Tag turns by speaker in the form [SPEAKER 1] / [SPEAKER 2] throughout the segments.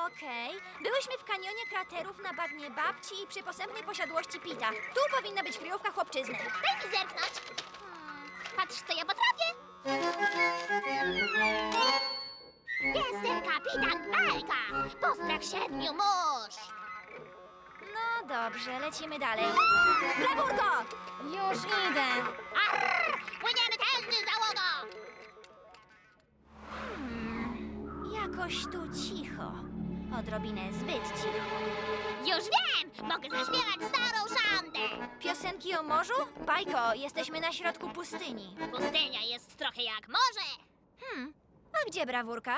[SPEAKER 1] Okej. Byłyśmy w kanionie kraterów na bagnie babci i przy posępnej posiadłości Pita. Tu powinna być kryjówka chłopczyzny.
[SPEAKER 2] Daj mi zerknąć. Patrz, co ja potrafię. Jestem kapitan Belka. Postrach 7 mórz.
[SPEAKER 1] No dobrze, lecimy dalej. Brawurko! Już idę.
[SPEAKER 2] Arr! Płyniemy tędy, załogo.
[SPEAKER 1] Jakoś tu cicho. Odrobinę zbyt cicho.
[SPEAKER 2] Już wiem! Mogę zaśpiewać starą szandę.
[SPEAKER 1] Piosenki o morzu? Bajko, jesteśmy na środku pustyni.
[SPEAKER 2] Pustynia jest trochę jak morze.
[SPEAKER 1] A gdzie brawurka?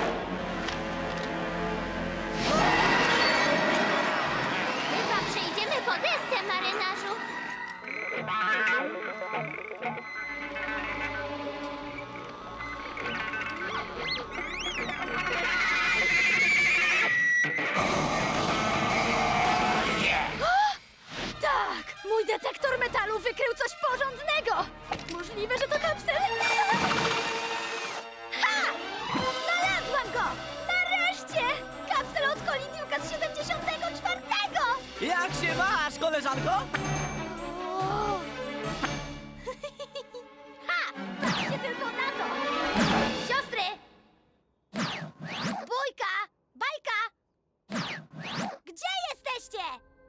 [SPEAKER 2] Chyba przejdziemy po desce, marynarzu.
[SPEAKER 1] Tak! Mój detektor metalu wykrył coś porządnego! Możliwe, że to kapsel? Ha! Znalazłam go! Nareszcie! Kapsel od Kolidiuka z 74!
[SPEAKER 3] Jak się masz, koleżanko?
[SPEAKER 1] Ha! Patrzcie tylko na to! Siostry! Bójka! Bajka! Gdzie jesteście?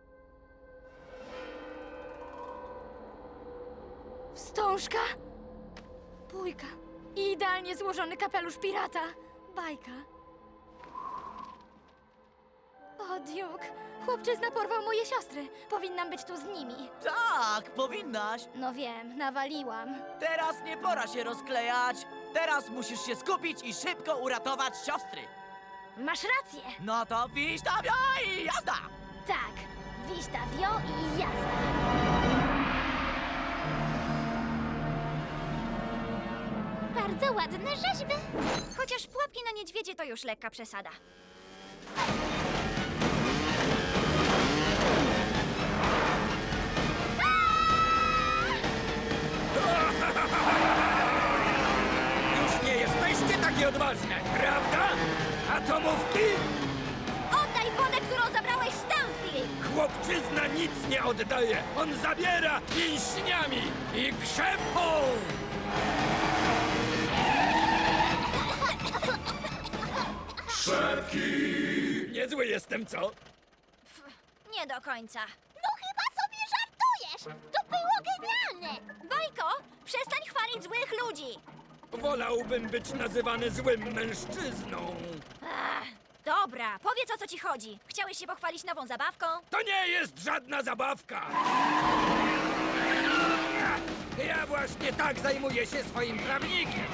[SPEAKER 1] Wstążka? Bójka. I idealnie złożony kapelusz pirata. Bajka. O, Duke. Chłopczyzna porwał moje siostry. Powinnam być tu z nimi.
[SPEAKER 3] Tak, powinnaś.
[SPEAKER 1] No wiem, nawaliłam.
[SPEAKER 3] Teraz nie pora się rozklejać. Teraz musisz się skupić i szybko uratować siostry.
[SPEAKER 1] Masz rację.
[SPEAKER 3] No to wiś tam i jazda!
[SPEAKER 1] Tak. Wista wio i jazda.
[SPEAKER 2] Bardzo ładne rzeźby.
[SPEAKER 1] Chociaż pułapki na niedźwiedzie to już lekka przesada.
[SPEAKER 4] Już nie jesteście takie odważne, prawda? Atomówki?
[SPEAKER 1] Oddaj wodę, którą zabrałeś z Townsville!
[SPEAKER 4] Chłopczyzna nic nie oddaje. On zabiera mięśniami i krzepą. Szepki! Niezły jestem, co?
[SPEAKER 1] Nie do końca.
[SPEAKER 2] No chyba sobie żartujesz. To było genialne.
[SPEAKER 1] Bajko, przestań chwalić złych ludzi!
[SPEAKER 4] Wolałbym być nazywany złym mężczyzną.
[SPEAKER 1] Ach, dobra, powiedz, o co ci chodzi. Chciałeś się pochwalić nową zabawką?
[SPEAKER 4] To nie jest żadna zabawka! Ja właśnie tak zajmuję się swoim prawnikiem.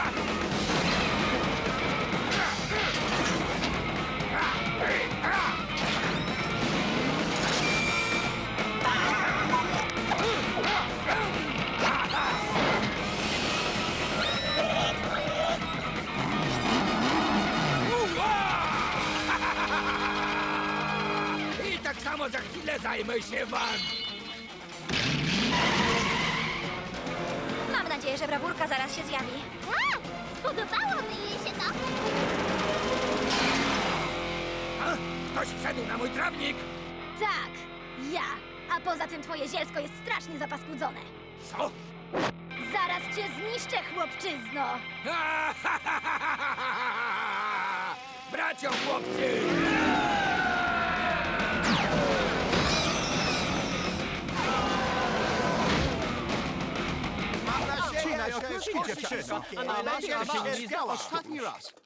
[SPEAKER 4] I tak samo za chwilę zajmę się wami.
[SPEAKER 1] Mam nadzieję, że brawurka zaraz się zjawi.
[SPEAKER 2] Tak, spodobało mi jej się to.
[SPEAKER 4] A? Ktoś wszedł na mój trawnik!
[SPEAKER 1] Tak, ja. A poza tym twoje zielsko jest strasznie zapaskudzone.
[SPEAKER 4] Co?
[SPEAKER 1] Zaraz cię zniszczę, chłopczyzno!
[SPEAKER 4] Bracio chłopcy!
[SPEAKER 5] Odcinaj się, wszystko, a najlepiej się nie zdziała. Ostatni raz.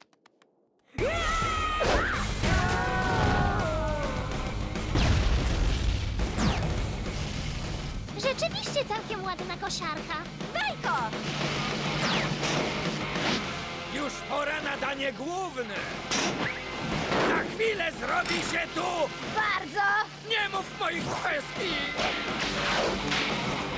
[SPEAKER 2] Rzeczywiście całkiem ładna kosiarka.
[SPEAKER 1] Bajko!
[SPEAKER 4] Już pora na danie główne! Za chwilę zrobi się tu!
[SPEAKER 1] Bardzo!
[SPEAKER 4] Nie mów moich kwestii!